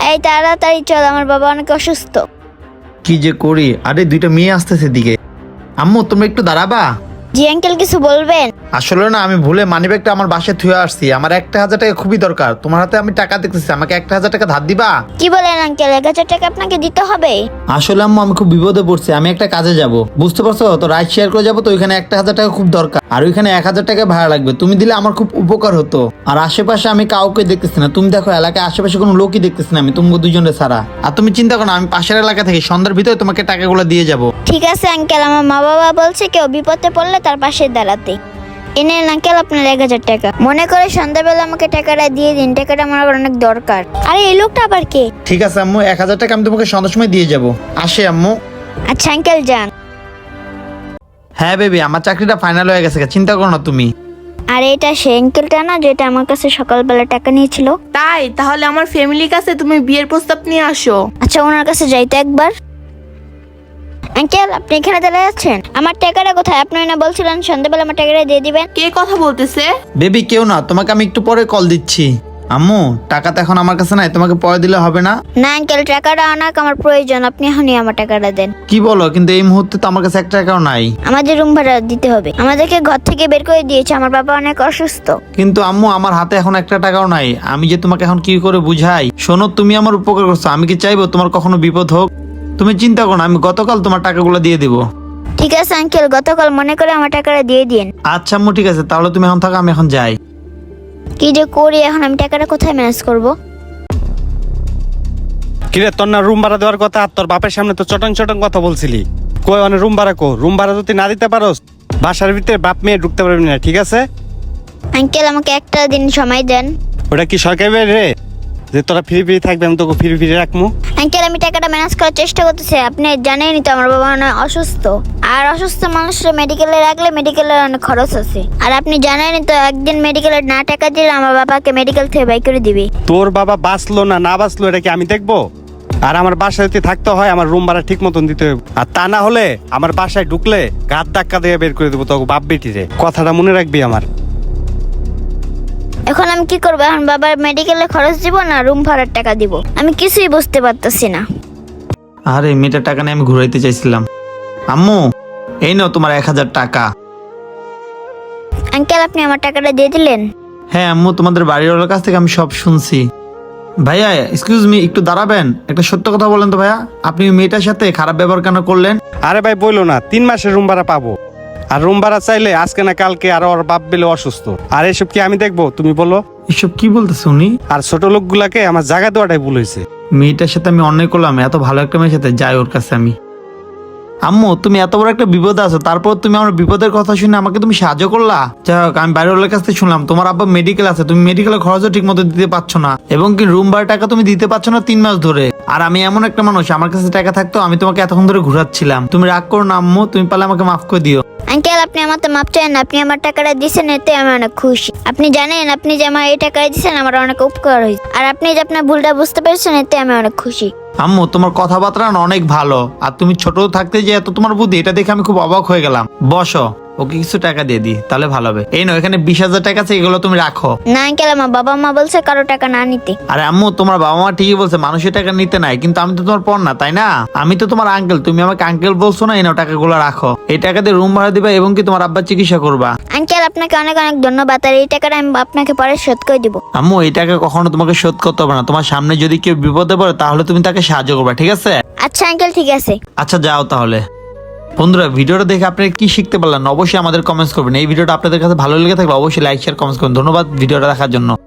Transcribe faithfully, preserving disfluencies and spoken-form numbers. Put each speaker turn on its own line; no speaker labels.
এই তাড়াতাড়ি চল, আমার বাবা অনেক অসুস্থ।
কি যে করি, আরে দুইটা মেয়ে আসতেছে দিকে। আম্মু তোমরা একটু দাঁড়াবা।
জি আঙ্কেল, কিছু বলবেন?
আসলে না, আমি ভুলে মানিব্যাগটা আমার বাসায় থুয়ে আসছি। আমার একটা হাজার টাকা খুবই দরকার। তোমার হাতে আমি টাকা দেখতেছি, আমাকে একটা হাজার টাকা ধার দিবা?
কি বলেন আঙ্কেল, এক হাজার টাকা আপনাকে দিতে হবে?
আসলে আম্মু আমি খুব বিপদে পড়ছি, আমি একটা কাজে যাব, বুঝতে পারছো তো, রাইড শেয়ার করে যাবো তো, ওইখানে একটা হাজার টাকা খুব দরকার, আর ওইখানে এক হাজার টাকা ভাড়া লাগবে। তুমি দিলে আমার খুব উপকার হতো। আর আশেপাশে আমি কাউকে দেখতেছি না, তুমি দেখো এলাকায় আশেপাশে কোনো লোকই দেখতেছি না আমি, তুমি দুজনে ছাড়া। আর তুমি চিন্তা করো না, আমি পাশের এলাকা থেকে সন্ধ্যার ভিতরে তোমাকে টাকাগুলো দিয়ে যাব।
ঠিক আছে আঙ্কেল, আমার মা বাবা বলছে কেউ বিপদে পড়লে তার পাশে দাঁড়াতে। এনে আঙ্কেল আপনার এক হাজার টাকা, মনে করে সন্ধ্যাবেলা আমাকে টাকাটা দিয়ে দিন, টাকাটা আমার অনেক দরকার। আরে এই লোকটা আবার কে?
ঠিক আছে আম্মু, এক হাজার টাকা আমি তোমাকে সন্ধ্যার সময় দিয়ে যাব। আসে আম্মু।
আচ্ছা আঙ্কেল যান।
হ্যাঁ বেবি, আমার চাকরিটা ফাইনাল হয়ে গেছে, চিন্তা করো না তুমি।
আর এটা সে আঙ্কেলটা না যেটা আমার কাছে সকালবেলা টাকা নিয়েছিল?
তাই তাহলে আমার ফ্যামিলির কাছে তুমি বিয়ের প্রস্তাব নিয়ে আসো।
আচ্ছা ওনার কাছে যাইতো একবার। আঙ্কেল আপনি এখানে দাঁড়িয়ে আছেন, আমার টাকাটা কোথায়? আপনি না বলছিলেন সন্ধ্যাবেলা আমার টাকাটা দিয়ে দিবেন।
কে কথা বলতেছে?
বেবি কেউ না, তোমাকে আমি একটু পরে কল দিচ্ছি। আম্মু টাকা তো এখন আমার কাছে নাই, তোমাকে পরে দিলে হবে না?
না আঙ্কেল, টাকাটা অনেক আমার প্রয়োজন, আপনি এখনই আমার টাকাটা দেন।
কি বলো, কিন্তু এই মুহূর্তে তো আমার কাছে এক টাকাও নাই।
আমাদের রুম ভাড়া দিতে হবে, আমাদেরকে ঘর থেকে বের করে দিয়েছে, আমার বাবা অনেক অসুস্থ।
কিন্তু আম্মু আমার হাতে এখন একটা টাকাও নাই, আমি যে তোমাকে এখন কি করে বুঝাই? শোনো, তুমি আমার উপকার করছো, আমি কি চাইবো তোমার কখনো বিপদ হোক? তুমি চিন্তা করো না, আমি গতকাল তোমার টাকাগুলো দিয়ে দিব।
ঠিক আছে আঙ্কেল, গতকাল মনে করে আমার টাকাটা দিয়ে দিন।
আচ্ছা আম্মু ঠিক আছে, তাহলে তুমি এখন থাকো, আমি এখন যাই।
কি যে করি এখন, আমি টাকাটা কোথায় ম্যানেজ করব?
কিরে তোর না রুম ভাড়া দেওয়ার কথা, আর তোর বাপের সামনে তো চটং চটং কথা বলছিলি। কই মানে রুম ভাড়া কো? রুম ভাড়া যদি না দিতে পারোস বাসার ভিতরে বাপ মেয়ে ঢুকতে পারবি না, ঠিক আছে?
আঙ্কেল আমাকে একটা দিন সময় দেন।
ওটা কি সরকারি বাড়ি রে যে তোরা ফ্রি ফ্রি থাকবে, আমি তোকে ফ্রি ফ্রি রাখবো?
আঙ্কেল আমি টাকাটা ম্যানেজ করার চেষ্টা করতেছি, আপনি জানেনই তো আমার বাবা অনেক অসুস্থ, আর অসুস্থ মানুষের মেডিকেলে রাখলে মেডিকেলের অনেক খরচ আছে, আর আপনি জানেনই তো একদিন মেডিকেলে না টাকা দিলে আমার বাবাকে মেডিকেল থেকে বাই করে দিবে।
তোর বাবা বাঁচলো না না বাঁচলো এটা কি আমি দেখবো? আর আমার বাসায় যদি থাকতে হয় আমার রুম ভাড়া ঠিক মতন দিতে হবে, আর তা না হলে আমার বাসায় ঢুকলে গাদ ধাক্কা দিয়ে বের করে দেবো তোকে বাপ বেটি রে, কথাটা মনে রাখবি আমার।
এখন আমি কি করবো? এখন বাবার মেডিকেলে খরচ দিব না রুম ভাড়ার টাকা দিব? আমি কিছুই বুঝতে পারতেছি না।
আরে মেয়েটার টাকা নিয়ে আমি ঘুরাইতে চাইছিলাম। আম্মু এই নাও তোমার এক হাজার টাকা।
আঙ্কেল আপনি আমার টাকাটা দিয়ে দিলেন?
হ্যাঁ আম্মু, তোমাদের বাড়িওয়ালার কাছ থেকে আমি সব শুনছি। ভাইয়া এক্সকিউজ মি, একটু দাঁড়াবেন? একটা সত্য কথা বলেন তো ভাইয়া, আপনি মেয়েটার সাথে খারাপ ব্যবহার কেন করলেন?
আরে ভাই বললো না তিন মাসের রুম ভাড়া পাবো, আর রুম ভাড়া চাইলে আজকে না কালকে, আর ওর বাপ বেলে অসুস্থ, আর এসব কি আমি দেখবো তুমি বলো?
এসব কি বলতেছে উনি?
আর ছোট লোকগুলাকে আমার জায়গা দেওয়াটাই ভুল হয়েছে।
মেয়েটার সাথে আমি অন্যায় করলাম, এত ভালো একটা মেয়ের সাথে যাই ওর কাছে আমি। আম্মু তুমি এত বড় একটা বিপদে আছো, তারপর তুমি আমার বিপদের কথা শুনে আমাকে তুমি সাহায্য করলা। যাই হোক, আমি বাইরের কাছ থেকে শুনলাম তোমার আব্বা মেডিকেল আছে, তুমি মেডিকেলের খরচও ঠিক মতো দিতে পারছো না, এবং কি রুম ভাড়া টাকা তুমি দিতে পারছো না তিন মাস ধরে। আর আমি এমন একটা মানুষ, আমার কাছে টাকা থাকতো আমি তোমাকে এতক্ষণ ধরে ঘুরাচ্ছিলাম। তুমি রাগ করো না আম্মু, তুমি পারলে আমাকে মাফ করে দিও।
আঙ্কেল আপনি আমার তো মাপ চান, আপনি আমার টাকাটা দিয়েছেন এতে আমি অনেক খুশি। আপনি জানেন আপনি যে আমার এই টাকাটা দিয়েছেন আমার অনেক উপকার হয়েছে, আর আপনি যে আপনার ভুলটা বুঝতে পেরেছেন এতে আমি অনেক খুশি।
আম্মু তোমার কথাবার্তা না অনেক ভালো, আর তুমি ছোট থাকতে যে এত তোমার বুদ্ধি, এটা দেখে আমি খুব অবাক হয়ে গেলাম। বসো, ওকে কিছু টাকা দিয়ে দিই তাহলে ভালো হবে। এই নাও, এখানে বিশ হাজার টাকা আছে, এগুলো তুমি রাখো।
না আঙ্কেল আমার বাবা মা বলছে কারো টাকা না নিতে।
আরে আম্মু তোমার বাবা মা ঠিকই বলছে মানুষের টাকা নিতে নাই, কিন্তু আমি তো তোমার পর না, তাই না? আমি তো তোমার আঙ্কেল, তুমি আমাকে আঙ্কেল বলছো না? এই নাও টাকাগুলো রাখো, এই টাকা দিয়ে রুম ভাড়া দিবা এবং কি তোমার আব্বার চিকিৎসা করবা।
আঙ্কেল আপনাকে অনেক অনেক ধন্যবাদ, আর এই টাকাটা আমি আপনাকে পরে শোধ করে দিব।
আম্মু এই টাকা কখনো তোমাকে শোধ করতে হবে না, তোমার সামনে যদি কেউ বিপদে পড়ে তাহলে তুমি তাকে সাহায্য করবা, ঠিক আছে?
আচ্ছা আঙ্কেল ঠিক আছে।
আচ্ছা যাও তাহলে। বন্ধুরা ভিডিওটা দেখে আপনারা কি শিখতে পারলেন অবশ্যই আমাদের কমেন্টস করবেন। এই ভিডিওটা আপনাদের কাছে ভালো লেগে থাকলে অবশ্যই লাইক শেয়ার কমেন্টস করুন। ধন্যবাদ ভিডিওটা দেখার জন্য।